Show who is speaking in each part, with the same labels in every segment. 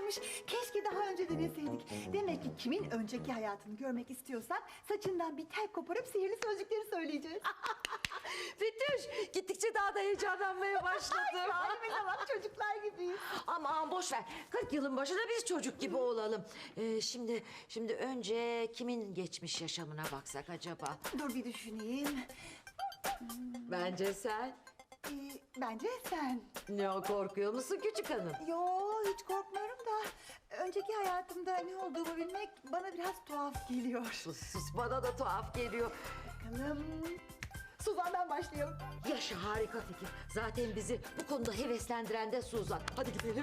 Speaker 1: varmış. Keşke daha önce deneseydik. Demek ki kimin önceki hayatını görmek istiyorsak saçından bir tel koparıp sihirli sözcükleri söyleyeceğiz.
Speaker 2: Betüş, gittikçe daha da heyecanlanmaya başladım.
Speaker 1: Halimize bak, çocuklar gibiyiz.
Speaker 2: Aman boş ver. 40 yılın başında biz çocuk gibi olalım. Şimdi önce kimin geçmiş yaşamına baksak acaba?
Speaker 1: Dur bir düşüneyim.
Speaker 2: Bence sen.
Speaker 1: Bence sen.
Speaker 2: Ne o, korkuyor musun küçük hanım?
Speaker 1: Yo, hiç korkmuyorum da önceki hayatımda ne olduğumu bilmek bana biraz tuhaf geliyor.
Speaker 2: Sus bana da tuhaf geliyor.
Speaker 1: Bakalım. Suzan'dan başlayalım.
Speaker 2: Yaşa, harika fikir. Zaten bizi bu konuda heveslendiren de Suzan. Hadi gidelim.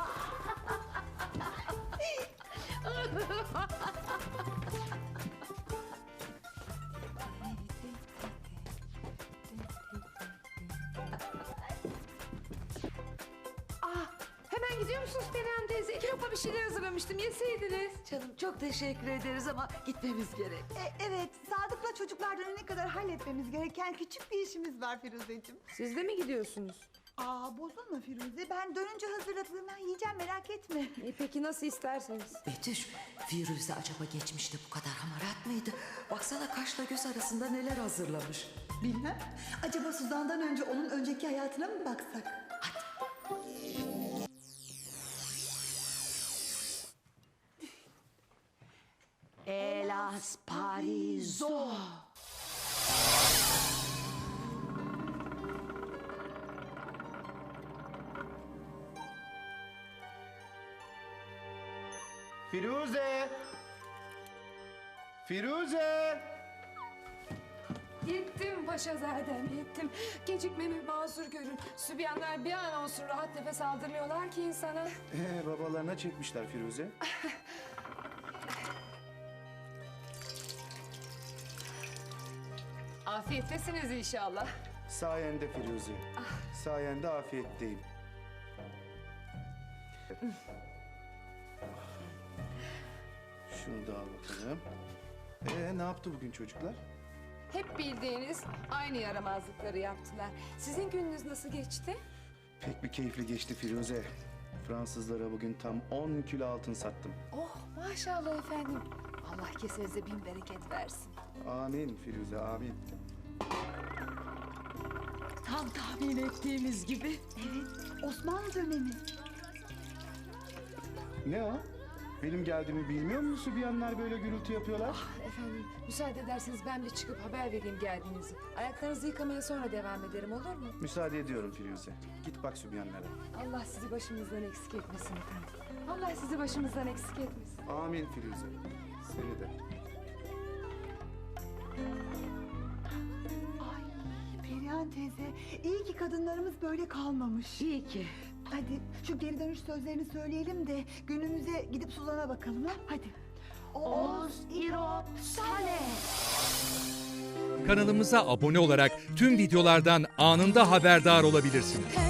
Speaker 3: Hemen gidiyor musunuz Perihan teyze? 2 lokma bir şeyler hazırlamıştım. Yeseydiniz.
Speaker 2: Canım çok teşekkür ederiz ama gitmemiz gerek.
Speaker 1: Evet, Sadık'la çocuklar dönene kadar halletmemiz gereken küçük bir işimiz var Firuzeciğim.
Speaker 3: Siz de mi gidiyorsunuz?
Speaker 1: Bozulma Firuze. Ben dönünce hazırladığımdan yiyeceğim, merak etme.
Speaker 3: Peki nasıl isterseniz.
Speaker 2: Betüş, Firuze acaba geçmişte bu kadar hamarat mıydı? Baksana kaşla göz arasında neler hazırlamış.
Speaker 1: Bilmem. Acaba Suzan'dan önce onun önceki hayatına mı baksak?
Speaker 2: Elas Parizo.
Speaker 4: Firuze! Firuze!
Speaker 3: Yettim paşazadem, yettim. Gecikmemi mazur görün. Sübyanlar bir an olsun rahat nefes aldırmıyorlar ki insana.
Speaker 4: Babalarına çekmişler Firuze.
Speaker 3: Afiyettesiniz inşallah.
Speaker 4: Sayende Firuze. Sayende afiyetteyim. Şunu da al bakalım. Ne yaptı bugün çocuklar?
Speaker 3: Hep bildiğiniz aynı yaramazlıkları yaptılar. Sizin gününüz nasıl geçti?
Speaker 4: Pek bir keyifli geçti Firuze. Fransızlara bugün tam 10 kilo altın sattım.
Speaker 3: Oh maşallah efendim. Allah kesenize bin bereket versin.
Speaker 4: Amin Firuze, amin.
Speaker 2: Tam tahmin ettiğimiz gibi.
Speaker 1: Evet, Osmanlı dönemi.
Speaker 4: Ne o? Benim geldiğimi bilmiyor musun? Bir yanlar böyle gürültü yapıyorlar.
Speaker 3: Efendim müsaade ederseniz ben bir çıkıp haber vereyim geldiğinizi. Ayaklarınızı yıkamaya sonra devam ederim, olur mu?
Speaker 4: Müsaade ediyorum Firuze. Git bak Sübyanlara.
Speaker 3: Allah sizi başımızdan eksik etmesin efendim. Allah sizi başımızdan eksik etmesin.
Speaker 4: Amin Firuze. Seni de.
Speaker 1: Ay Perihan teyze, iyi ki kadınlarımız böyle kalmamış.
Speaker 2: İyi ki.
Speaker 1: Hadi şu geri dönüş sözlerini söyleyelim de günümüze gidip Suzan'a bakalım ha. Hadi.
Speaker 2: Oz İrop Sale.
Speaker 5: Kanalımıza abone olarak tüm videolardan anında haberdar olabilirsiniz.